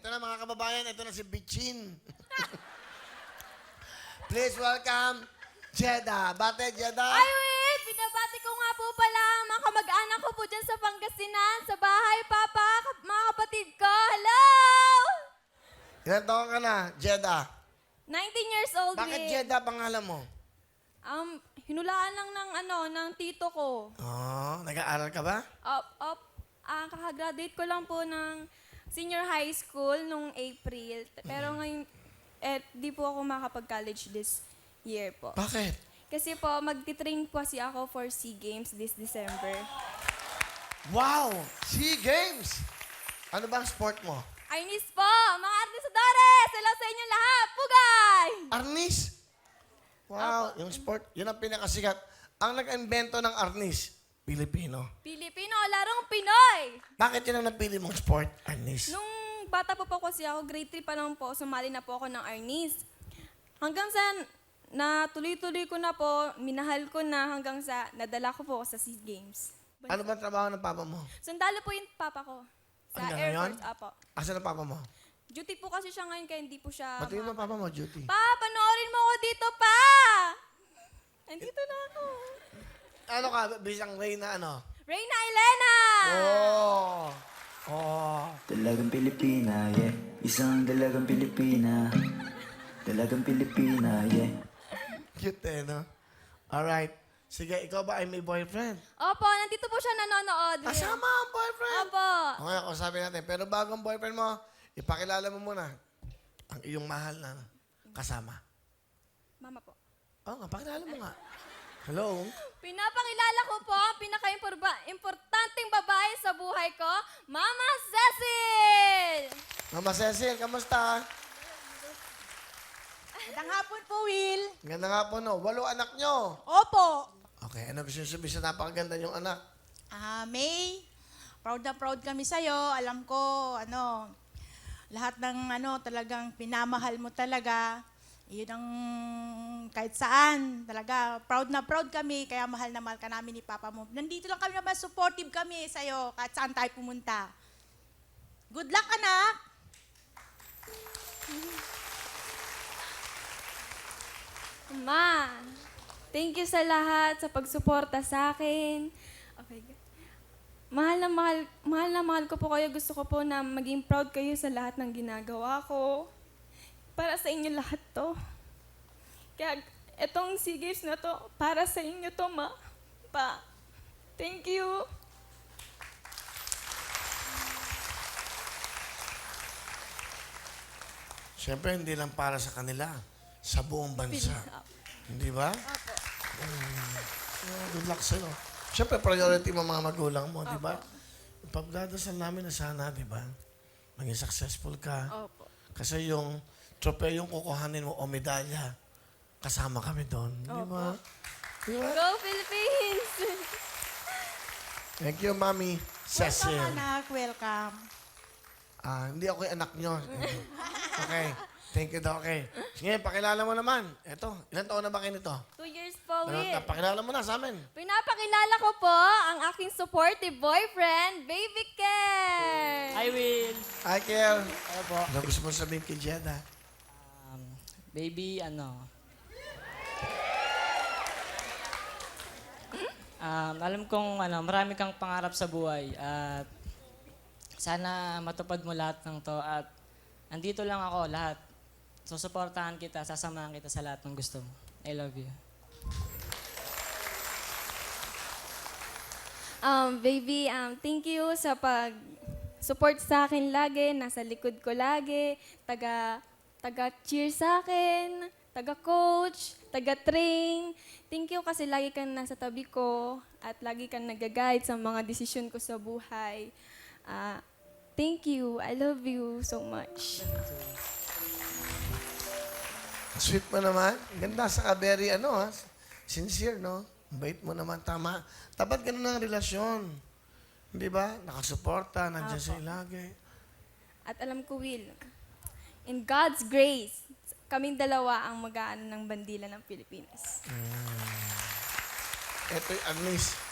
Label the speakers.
Speaker 1: Ito na mga kababayan, ito na si Bichin. Please welcome, Jeda. Bate, Jeda.
Speaker 2: Ay, wait! Binabati ko nga po pala ang mga kamag-anak ko po dyan sa Pangasinan, sa bahay, Papa, mga kapatid ko. Hello!
Speaker 1: Ilan taon ka na, Jeda?
Speaker 2: 19 years old
Speaker 1: Bakit
Speaker 2: din.
Speaker 1: Jeda pangalan mo?
Speaker 2: Hinulaan lang ng tito ko.
Speaker 1: Oh, nag-aaral ka ba?
Speaker 2: Kakagraduate ko lang po ng senior high school nung April. Pero ngayon, di po ako makapag-college this year po.
Speaker 1: Bakit?
Speaker 2: Kasi po, magti-train po kasi ako for SEA Games this December.
Speaker 1: Wow! SEA Games! Ano bang sport mo?
Speaker 2: Arnis po, mga artisadores! Hello sa inyo lahat! Pugay!
Speaker 1: Arnis? Wow, yung sport, yun ang pinakasikat. Ang nag-invento ng arnis, Pilipino.
Speaker 2: Pilipino, larong Pinoy!
Speaker 1: Bakit yun ang napili mong sport, arnis?
Speaker 2: Nung bata po kasi ako, grade 3 pa lang po, sumali na po ako ng Arnis. Hanggang sa natuloy-tuloy ko na po, minahal ko na hanggang sa nadala ko po sa SEA Games.
Speaker 1: Ano ba trabaho ng papa mo?
Speaker 2: Sundalo po yung papa ko. Sa
Speaker 1: Hanggang
Speaker 2: Air
Speaker 1: ngayon?
Speaker 2: Force, apo.
Speaker 1: Asan ang papa mo?
Speaker 2: Duty po kasi siya ngayon, kaya hindi po siya...
Speaker 1: Batiin mo papa mo, duty.
Speaker 2: Pa, panoorin mo ako dito, pa! Nandito na ako.
Speaker 1: Ano ka, bisang Reyna, ano?
Speaker 2: Reyna Elena!
Speaker 1: Oh! Oh!
Speaker 3: Dalagang Pilipina, yeah. Isang dalagang Pilipina. Dalagang Pilipina, yeah.
Speaker 1: Cute eh, no? Alright. Sige, ikaw ba ay may boyfriend?
Speaker 2: Opo, nandito po siya nanonood.
Speaker 1: Kasama ang boyfriend!
Speaker 2: Opo.
Speaker 1: Okay, ako sabi natin. Pero bago ang boyfriend mo, ipakilala mo muna ang iyong mahal na kasama.
Speaker 2: Mama po.
Speaker 1: Oo nga, pakilala mo nga. Hello?
Speaker 2: Pinapakilala ko po ang pinaka-importanting babae sa buhay ko, Mama Cecil!
Speaker 1: Mama Cecil, kamusta?
Speaker 4: Magandang hapon po, Will.
Speaker 1: Ganda nga po, no? 8 anak nyo.
Speaker 4: Opo.
Speaker 1: Okay, ano gusto nyo sabihin sa napakaganda yung anak?
Speaker 4: May, proud na proud kami sa'yo. Alam ko, lahat ng talagang pinamahal mo talaga. Yun ang kahit saan. Talaga, proud na proud kami. Kaya mahal na mahal ka namin ni Papa mo. Nandito lang kami naman, supportive kami sa'yo kahit saan tayo pumunta. Good luck, anak.
Speaker 2: Ma, thank you sa lahat, sa pagsuporta sa akin. Okay. Mahal na mahal ko po kayo. Gusto ko po na maging proud kayo sa lahat ng ginagawa ko. Para sa inyo lahat to. Kaya etong SEA Games na to, para sa inyo to, Ma. Pa, thank you.
Speaker 1: Siyempre, hindi lang para sa kanila. Sa buong bansa. Hindi ba? Good luck sa'yo. Siyempre, priority mo mga magulang mo, di ba? Pagdadasal namin na sana, di ba? Maging successful ka.
Speaker 2: Opo.
Speaker 1: Kasi yung tropeyong kukuhanin mo o medalya, kasama kami doon. Di ba? Di ba?
Speaker 2: Go Philippines!
Speaker 1: Thank you, Mami Cecil.
Speaker 4: Welcome, anak. Welcome.
Speaker 1: Hindi ako yung anak nyo. Okay. Thank you daw. Okay. Sige, pakilala mo naman. Eto, ilan taon na ba kayo nito?
Speaker 2: 2 years po, Will.
Speaker 1: Pakilala mo na sa amin.
Speaker 2: Pinapakilala ko po ang aking supportive boyfriend, Baby Ken!
Speaker 5: Hi, Will.
Speaker 1: Hi, Kel.
Speaker 5: Ano po?
Speaker 1: Ano gusto mo sabihin kay Jeda?
Speaker 5: Baby, alam kong marami kang pangarap sa buhay at sana matupad mo lahat ng to at andito lang ako lahat. Susuportahan kita, sasamahan kita sa lahat ng gusto mo. I love you.
Speaker 2: Baby, thank you sa pag-support sa akin lagi, nasa likod ko lagi, taga-cheer sa akin, taga-coach, taga-train. Thank you kasi lagi kang nasa tabi ko at lagi kang nag-guide sa mga desisyon ko sa buhay. Thank you. I love you so much.
Speaker 1: Sweet mo naman. Ganda sa very, sincere, no? Bait mo naman, tama. Tapat ganun ang relasyon. Di ba? Nakasuporta, nandiyan sa'yo lagi.
Speaker 2: At alam ko, Will, in God's grace, kaming dalawa ang mag-aano ng bandila ng Pilipinas.
Speaker 1: Ito yung Agnes.